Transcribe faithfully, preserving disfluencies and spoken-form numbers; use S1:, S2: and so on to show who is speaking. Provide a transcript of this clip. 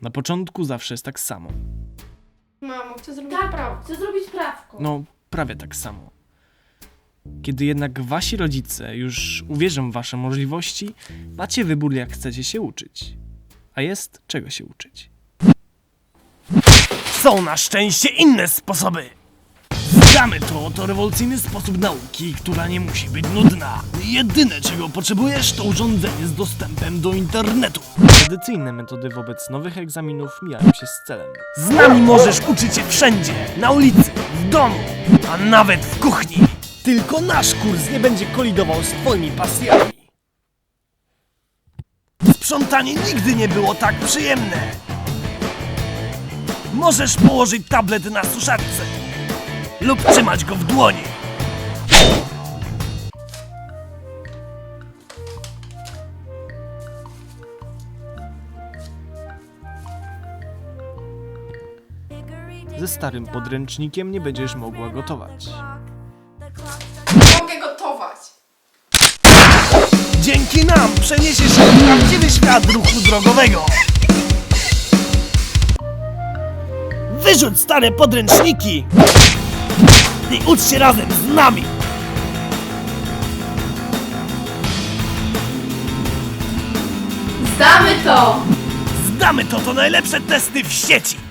S1: Na początku zawsze jest tak samo.
S2: Mamo, chcę zrobić
S3: Tak,
S2: prawo.
S3: chcę zrobić prawko.
S1: No, prawie tak samo. Kiedy jednak wasi rodzice już uwierzą w wasze możliwości, macie wybór, jak chcecie się uczyć. A jest czego się uczyć. Są na szczęście inne sposoby! Znamy to, to rewolucyjny sposób nauki, która nie musi być nudna. Jedyne, czego potrzebujesz, to urządzenie z dostępem do internetu. Tradycyjne metody wobec nowych egzaminów mijają się z celem. Z nami możesz uczyć się wszędzie, na ulicy, w domu, a nawet w kuchni. Tylko nasz kurs nie będzie kolidował z twoimi pasjami. Sprzątanie nigdy nie było tak przyjemne. Możesz położyć tablet na suszarce lub trzymać go w dłoni. Ze starym podręcznikiem nie będziesz mogła gotować.
S2: Mogę gotować.
S1: Dzięki nam przeniesiesz się w prawdziwy świat ruchu drogowego. Wyrzuć stare podręczniki i ucz się razem z nami.
S3: Zdamy to!
S1: Zdamy to, to najlepsze testy w sieci.